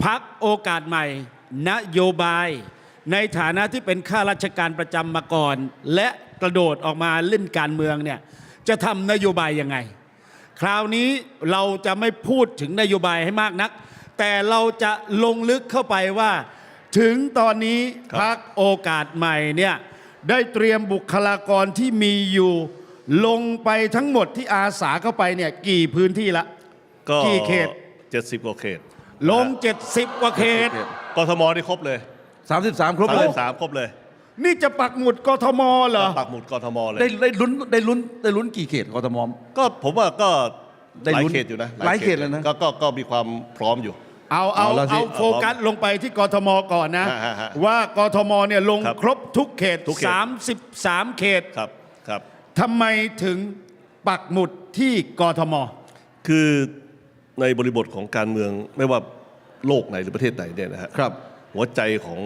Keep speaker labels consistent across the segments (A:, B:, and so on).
A: พรรคโอกาสใหม่นโยบายในฐานะที่เป็นข้าราชการประจำมาก่อน และกระโดดออกมาเล่นการเมืองเนี่ยจะทำนโยบายยังไงคราวนี้เราจะไม่พูดถึงนโยบายให้มากนักแต่เราจะลงลึกเข้าไปว่าถึงตอนนี้พรรคโอกาสใหม่เนี่ยได้เตรียมบุคลากรที่มีอยู่ลงไปทั้งหมดที่อาสาเข้าไปเนี่ยกี่พื้นที่ละกี่เขต
B: 70กว่าเขต
A: ลง70กว่าเขต
B: กทมนี่ครบเลย
C: 33ครบเลย
B: 33ครบเลย
A: นี่จะปักหมุดกทมเหรอ
B: ปักหมุดกทมเลย
C: ได้ลุ้นกี่เขตกทม
B: ก็ผมว่าก็หลายเขตอยู่นะ
C: หลายเขตเลยนะ
B: ก็มีความพร้อมอยู่
A: เอาโฟกัสลงไปที่กทมก่อนนะว่ากทมเนี่ยลงครบทุกเขต33เขต
B: ครับ
A: ทำไมถึงปักหมุดที่กทม
B: คือในบริบทของการเมืองไม่ว่าโลกไหนหรือประเทศไหนเนี่ยนะฮะหัวใจ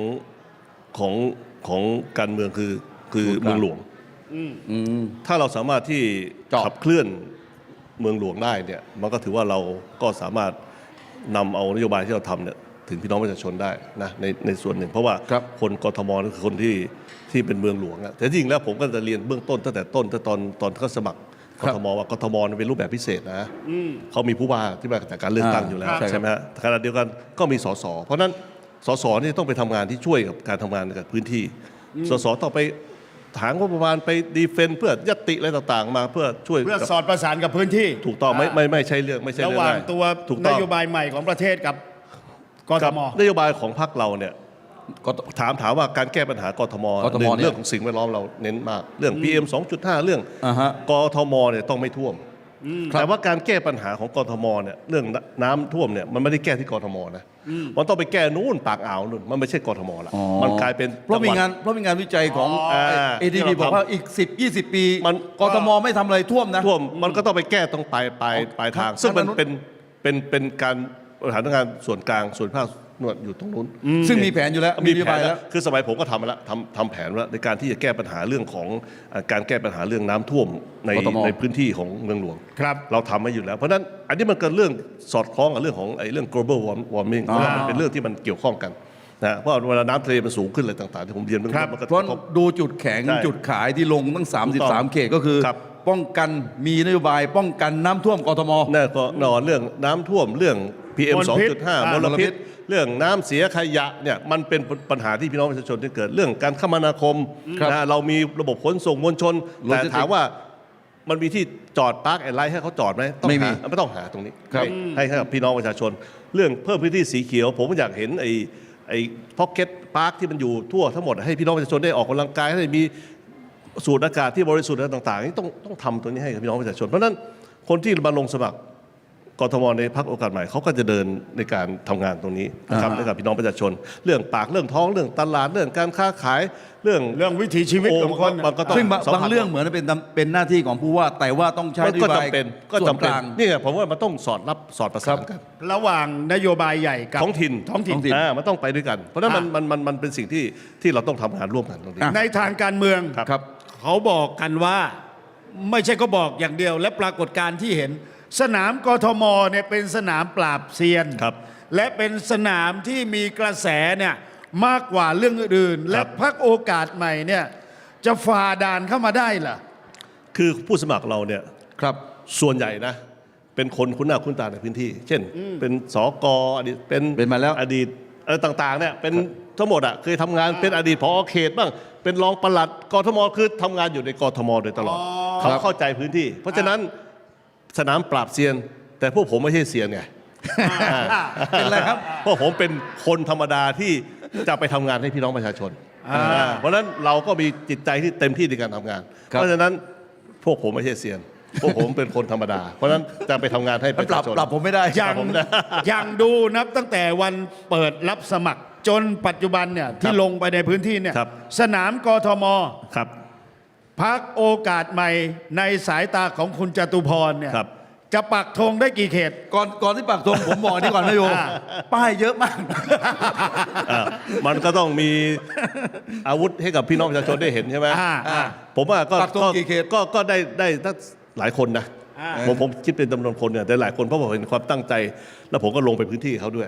B: ของการเมืองคือเมืองหลวงถ้าเราสามารถที่ขับเคลื่อนเมืองหลวงได้เนี่ยมันก็ถือว่าเราก็สามารถนำเอานโยบายที่เราทำเนี่ยถึงพี่น้องประชาชนได้นะในส่วนหนึ่งเพราะว่าคนกทมนั่นคือคนที่เป็นเมืองหลวงแต่จริงแล้วผมก็จะเรียนเบื้องต้นตั้งแต่ต้นตอนเขาสมัครกทมว่ากทมเป็นรูปแบบพิเศษนะเขามีผู้ว่าที่มาจากการเลือกตั้งอยู่แล้วใช่ไหมฮะขณะเดียวกันก็มีสสเพราะนั้นสสนี่ต้องไปทำงานที่ช่วยกับการทำงานกับพื้นที่สสต้องไปถางงบประมาณไปดีเฟนเพื่อยัตติอะไรต่างๆมาเพื่อช่วย
A: เพื่อสอดประสานกับพื้นที่
B: ถูกต้องไม่ใช่เรื่อง
A: ระหว่างตัวนโยบายใหม่ของประเทศกับกทม
B: นโยบายของพรรคเราเนี่ยถามว่าการแก้ปัญหากทมเรื่องของสิ่งแวดล้อมเราเน้นมากเรื่อง PM 2.5 เรื่องกทมเนี่ยต้องไม่ท่วมแต่ว่าการแก้ปัญหาของกทมเนี่ยเรื่องน้ำท่วมเนี่ยมันไม่ได้แก้ที่กทมนะมันต้องไปแก้นู่นปากอ่าวนู่นมันไม่ใช่กทมละมันกลายเป็น
C: เพราะมีงานวิจัยของ ADB บอกว่าอีก10-20 ปีกทมไม่ทำอะไรท่วมนะ
B: ท่วมมันก็ต้องไปแก้ตรงปลายทางซึ่งมันเป็นการบริหารงานส่วนกลางส่วนภาคหนวดอยู่ตรงนู้น
C: ซึ่งมีแผนอยู่แล้ว
B: มีแผนแล้วคือสมัยผมก็ทำมาแล้วทำแผนแล้วในการที่จะแก้ปัญหาเรื่องของการแก้ปัญหาเรื่องน้ำท่วมในพื้นที่ของเมืองหลวงเราทำมาอยู่แล้วเพราะนั้นอันนี้มันเกิดเรื่องสอดคล้องกับเรื่องของเรื่อง global warming มันเป็นเรื่องที่มันเกี่ยวข้องกันนะเพราะเวลาน้ำทะเลมันสูงขึ้นอะไรต่างๆที่ผมเรียนมันก็
C: เพราะดูจุดแข็งจุดขายที่ลงตั้ง33เขตก็คือป้องกันมีนโยบายป้องกันน้ำท่วมกทม
B: นั่นก็นอนเรื่องน้ำท่วมเรื่อง PM 2.5 มลพิษเรื่องน้ำเสียขยะเนี่ยมันเป็นปัญหาที่พี่น้องประชาชนที่เกิดเรื่องการคมนาคมนะเรามีระบบขนส่งมวลชนแต่ถามว่ามันมีที่จอดพาร์คแอนด์ไลท์ให้เขาจอดไหม
C: ไม่มี
B: ไม่ต้องหาตรงนี้ให้กับพี่น้องประชาชนเรื่องเพิ่มพื้นที่สีเขียวผมอยากเห็นไอ้พ็อกเก็ตพาร์คที่มันอยู่ทั่วทั้งหมดให้พี่น้องประชาชนได้ออกกำลังกายให้มีสูดอากาศที่บริสุทธิ์ต่างๆนี่ต้องทำตัวนี้ให้กับพี่น้องประชาชนเพราะนั้นคนที่มาลงสมัครกทมในพรรคโอกาสใหม่เขาก็จะเดินในการทำงานตรงนี้นะครับให้กับพี่น้องประชาชนเรื่องปากเรื่องท้องเรื่องตลาดเรื่องการค้าขายเรื่อง
A: วิถีชีวิตของคน
C: ซึ่งบางเรื่องเหมือนเป็นหน้าที่ของผู้ว่าแต่ว่าต้องใช้นโยบาย
B: ส่วนกลางนี่ผมว่ามันต้องสอดประสานกัน
A: ระหว่างนโยบายใหญ่กับ
B: ท้องถิ่นมันต้องไปด้วยกันเพราะนั้นมันเป็นสิ่งที่เราต้องทำงานร่วมกันตรงนี้
A: ในทางการเมืองเขาบอกกันว่าไม่ใช่ก็บอกอย่างเดียวและปรากฏการณ์ที่เห็นสนามกทมเนี่ยเป็นสนามปราบเซียนและเป็นสนามที่มีกระแสเนี่ยมากกว่าเรื่องอื่นและพรรคโอกาสใหม่เนี่ยจะฝ่าด่านเข้ามาได้ล่ะ
B: คือผู้สมัครเราเนี่ยส่วนใหญ่นะเป็นคนคุ้นหน้าคุ้นตาในพื้นที่ เช่นเป็นสกอดีตเป็น
C: มาแล้ว
B: อดีตอะไรต่างๆเนี่ยเป็นทั้งหมดอ่ะเคยทำงานเป็นอดีตผอ.เขตบ้างเป็นรองปลัดกทมคือทำงานอยู่ในกทมโดยตลอดเขาเข้าใจพื้นที่เพราะฉะนั้นสนามปราบเซียนแต่พวกผมไม่ใช่เซียนไง
C: เป็นอะไรครับ
B: เพราะผมเป็นคนธรรมดาที่จะไปทำงานให้พี่น้องประชาชนเพราะฉะนั้นเราก็มีจิตใจที่เต็มที่ในการทำงานเพราะฉะนั้นพวกผมไม่ใช่เซียนพวกผมเป็นคนธรรมดาเพราะฉะนั้นจะไปทำงานให้ประชาชน
C: ปรับผมไม่ได้
A: ยังดูนับตั้งแต่วันเปิดรับสมัครจนปัจจุบันเนี่ยที่ลงไปในพื้นที่เนี่ยสนามกทมพรรคโอกาสใหม่ในสายตาของคุณจตุพรเนี่ยจะปักธงได้กี่เขต
C: ก่อนที่ปักธงผมบอกนี่ก่อนนายโยป้ายเยอะมาก
B: มันก็ต้องมีอาวุธให้กับพี่น้องประชาชนได้เห็นใช่ไหมผมว่าก็ได้ตั้งหลายคนนะผมคิดเป็นจำนวนคนเนี่ยแต่หลายคนเพราะผมเห็นความตั้งใจแล้วผมก็ลงไปพื้นที่เขาด้วย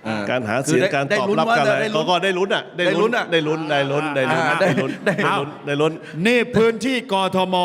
B: การหาเสียงการตอบรับกันอะไรก็ได้ลุ้นอ่ะได้ลุ้นได้ลุ้นได้ลุ้นได้ลุ้นได้ลุ้นได้ลุ้น
A: นี่พื้นที่กทม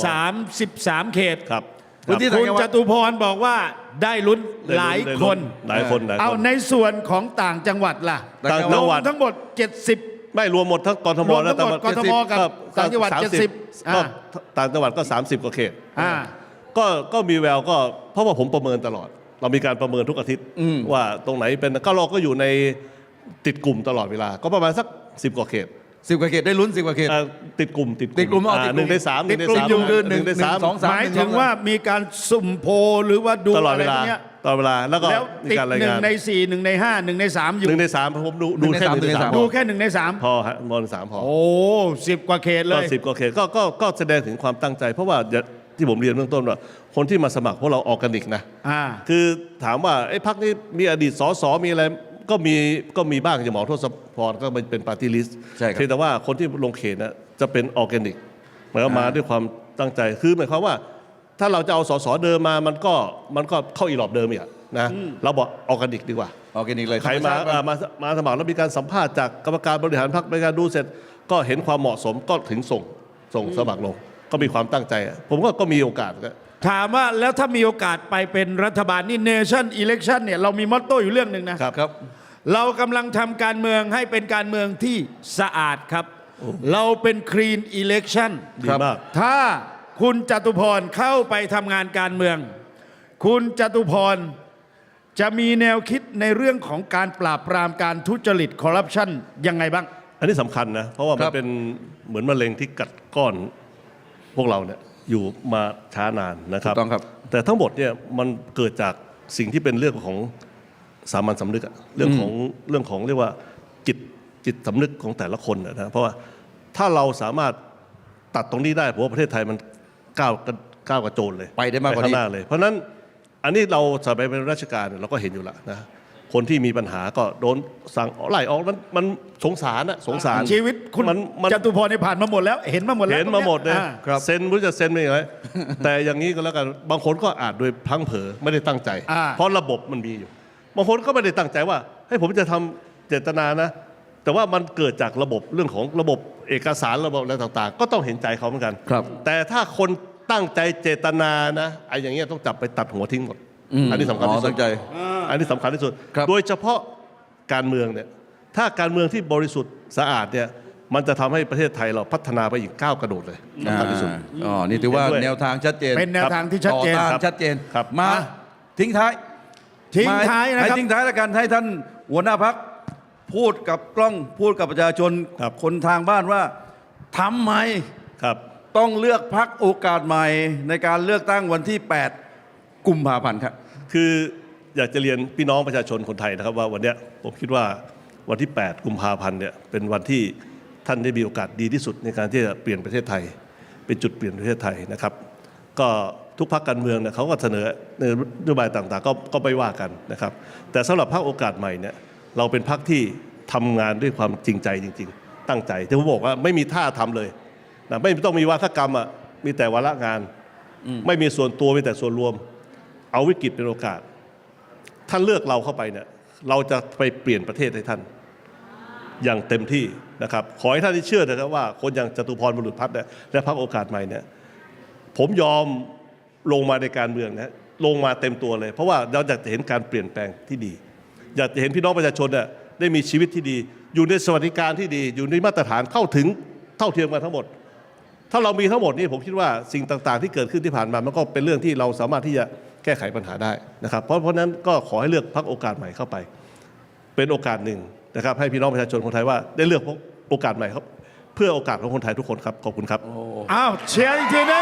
A: 33 เขต
B: ครับ
A: คุณจตุพรบอกว่าได้ลุ้นหลายคน
B: หลายคน
A: เอาในส่วนของต่างจังหวัดล่ะ
B: ต่างจังหวัด
A: ทั้งหมด 70
B: ไม่รวมหมดทั้งกทม
A: รวมทั้
B: แล้ว
A: งหมดกทมกับต่างจังหวัด 70
B: ก็ต่างจังหวัดก็30กว่าเขต
A: อ่า
B: ก็มีแววก็เพราะว่าผมประเมินตลอด เรามีการประเมินทุกอาทิตย์ว่าตรงไหนเป็นก็เราก็อยู่ในติดกลุ่มตลอดเวลาก็ประมาณสัก10กว่าเขต
C: 10 กว่าเขตได้ลุ้น 10 กว่าเขต
B: ติดกลุ่ม
C: ติดกลุ่มอ๋อติดกลุ่ม
B: หนึ่งในสาม
C: ติดกลุ่มอยู่คือหนึ่ง
B: ในสาม
C: สอง
A: หมายถึงว่ามีการสุ่มโพลหรือว่าดู
B: ตลอด
A: อะไร
B: เว
A: พ
B: ลาว
A: กเนี้ย
B: ตลอดเวลาแล้วก็
A: แล้ว
B: มี
A: ติด
B: การราย
A: 1
B: งาน
A: ใน 4 1 ใน 5 1 ใน 3 อยู่
B: 1 ใน 3ผมดูแค่
C: 1 ใน
B: 1 ใน 3
A: ดูแค่1 ใน 3
B: พอฮะมอน3พอ
A: โอ้10 กว่าเขตเล
B: ก็
A: ย
B: 10กว่าเขตก็แสดงถึงความตั้งใจ เพราะว่าที่ผมเรียนเบื้องต้นว่าคนที่มาสมัครพวกเราออร์แกนิกนะ คือถามว่าไอ้พรรคนี้มีอดีตสสมีอะไรก็มีบ้างอย่างหมอทศพรก็เป็นปาร์ตี้ลิสต์
C: ใช่ครับ
B: เพียงแต่ว่าคนที่ลงเขตนะจะเป็นออร์แกนิกหมายความมาด้วยความตั้งใจคือหมายความว่าถ้าเราจะเอาสสเดิมมามันก็เข้าอีหลอบเดิมอีกอะนะเราบอกออร์แกนิกดีกว่า
C: ออร์แกนิกเลย
B: ใครมาสมัครแล้วมีการสัมภาษณ์จากกรรมการบริหารพรรคในการดูเสร็จก็เห็นความเหมาะสมก็ถึงส่งสมัครลง ก็มีความตั้งใจอะผมก็มีโอกาสก็
A: ถามว่าแล้วถ้ามีโอกาสไปเป็นรัฐบาลนี่ Nation Election เนี่ยเรามีมอตโต้อยู่เรื่องหนึ่งนะ
C: ครับ
A: เรากำลังทำการเมืองให้เป็นการเมืองที่สะอาดครับ เราเป็น Clean Election
B: ดีมาก
A: ถ้าคุณจตุพรเข้าไปทำงานการเมือง คุณจตุพรจะมีแนวคิดในเรื่องของการปราบปรามการทุจริตคอร์รัปชันยังไงบ้าง
B: อันนี้สำคัญนะ เพราะว่า
C: ค
B: มั
C: รั
B: น
C: บ
B: เป็นเหมือนมะเร็งที่กัดก้อนพวกเราเนี่ยอยู่มาช้านานนะครับ
C: ถูกต้องครับ
B: แต่ทั้งหมดเนี่ยมันเกิดจากสิ่งที่เป็นเรื่องของสามัญสำนึกอะเรื่องของเรียกว่าจิตสำนึกของแต่ละคนนะเพราะว่าถ้าเราสามารถตัดตรงนี้ได้ผมว่าประเทศไทยมันก้าวกระโจนเลย
C: ไปได้มากกว่านี้
B: ข้างหน้าเลย เพราะฉะนั้นอันนี้เราสมัยเป็นราชการเนี่ยเราก็เห็นอยู่แล้วนะคนที่มีปัญหาก็โดนสั่งไล่ออกมันสงสารอะสงสาร
A: ชีวิตคุณ
B: มัน
A: จตุพรเนี่ยผ่านมาหมดแล้วเห็นมาหมดแล้ว
B: เห็นมาหมดเลย
A: อ่า
C: ครับ
B: เซ็นไม่รู้จะเซ็นไม่ยังไง แต่อย่างนี้ก็แล้วกันบางคนก็อาจโดยพลั้งเผลอไม่ได้ตั้งใจ เพราะระบบมันมีอยู่บางคนก็ไม่ได้ตั้งใจว่าให้ผมจะทำเจตนานะ แต่ว่ามันเกิดจากระบบเรื่องของระบบเอกสารระบบอะไรต่างๆ ก็ต้องเห็นใจเขาเหมือนกัน
C: ครับ
B: แต่ถ้าคนตั้งใจเจตนานะไอ้อย่างเงี้ยต้องจับไปตัดหัวทิ้งหมด อันนี้สำคัญที่สุ
C: ตั้
B: ด
C: งใจ
B: อันนี้สำคัญที่สุด
C: ครับ
B: โดยเฉพาะการเมืองเนี่ยถ้าการเมืองที่บริสุทธิ์สะอาดเนี่ยมันจะทำให้ประเทศไทยเราพัฒนาไปอีกก้าวกระโดดเลยสำคัญที่สุด
C: อ๋อนี่ถือว่า
B: เห็นด้วย
C: แนวทางชัดเจน
A: เป็นแนวทางที่ชัดเจน
C: ต่อต้าน
B: ครับ
C: ชัดเจน
B: ครับ
C: มา
A: อ่ะ
C: ทิ้งท้าย
A: ทิ้งท้ายนะ
C: ให้
A: ครับ
C: ทิ้งท้ายแล้วกันให้ท่านหัวหน้าพักพูดกับกล้องพูดกับประชาชน
B: ครับ
C: คนทางบ้านว่าทำไม
B: ครับ
C: ต้องเลือกพักโอกาสใหม่ในการเลือกตั้งวันที่ 8 กุมภาพันธ์ครับ
B: คืออยากจะเรียนพี่น้องประชาชนคนไทยนะครับว่าวันเนี้ยผมคิดว่าวันที่ 8 กุมภาพันธ์เนี่ยเป็นวันที่ท่านได้มีโอกาสดีที่สุดในการที่จะเปลี่ยนประเทศไทย เป็นจุดเปลี่ยนประเทศไทยนะครับ ก็ทุกพรรคการเมืองเนี่ยเขาก็เสนอนโยบายต่างๆก็ไม่ว่ากันนะครับ แต่สำหรับพรรคโอกาสใหม่เนี่ยเราเป็นพรรคที่ทำงานด้วยความจริงใจจริง ๆ ตั้งใจที่ผมบอกว่าไม่มีท่าทำเลยนะไม่ต้องมีวาทกรรมอ่ะมีแต่วาระงาน ไม่มีส่วนตัวมีแต่ส่วนรวม เอาวิกฤตเป็นโอกาส ท่านเลือกเราเข้าไปเนี่ยเราจะไปเปลี่ยนประเทศให้ท่านอย่างเต็มที่นะครับขอให้ท่านได้เชื่อนะครับว่าคนอย่างจตุพรบุรุษพัฒน์เนี่ยและพรรคโอกาสใหม่เนี่ยผมยอมลงมาในการเมืองนะลงมาเต็มตัวเลย เพราะว่าเราอยากจะเห็นการเปลี่ยนแปลงที่ดี อยากจะเห็นพี่น้องประชาชนเนี่ยได้มีชีวิตที่ดี อยู่ในสวัสดิการที่ดี อยู่ในมาตรฐานเข้าถึงเท่าเทียมกันทั้งหมด ถ้าเรามีทั้งหมดนี่ผมคิดว่าสิ่งต่างๆ ที่เกิดขึ้นที่ผ่านมามันก็เป็นเรื่องที่เราสามารถที่จะแก้ไขปัญหาได้นะครับเพราะนั้นก็ขอให้เลือกพรรคโอกาสใหม่เข้าไป เป็นโอกาสหนึ่งนะครับให้พี่น้องประชาชนคนไทยว่าได้เลือกโอกาสใหม่ครับเพื่อโอกาสของคนไทยทุกคนครับขอบคุณครับ
A: อ้าวเชียร์อีกทีนะ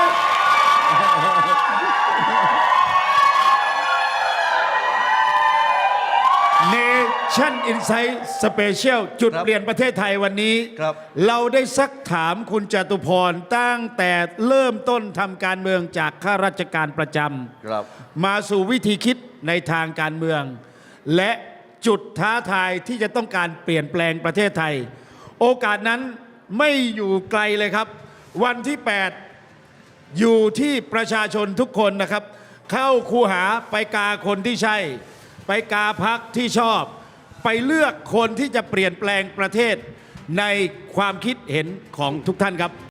A: Nation Insight Special จุด
C: ครับ
A: เปลี่ยนประเทศไทยวันนี้
C: ครับ
A: เราได้ซักถามคุณจตุพรตั้งแต่เริ่มต้นทำการเมืองจากข้าราชการประจ
C: ครับ
A: ำมาสู่วิธีคิดในทางการเมือง และจุดท้าทายที่จะต้องการเปลี่ยนแปลงประเทศไทย โอกาสนั้นไม่อยู่ไกลเลยครับ วันที่ 8 อยู่ที่ประชาชนทุกคนนะครับ เข้าคูหาไปกาคนที่ใช่ ไปกาพักที่ชอบไปเลือกคนที่จะเปลี่ยนแปลงประเทศในความคิดเห็นของทุกท่านครับ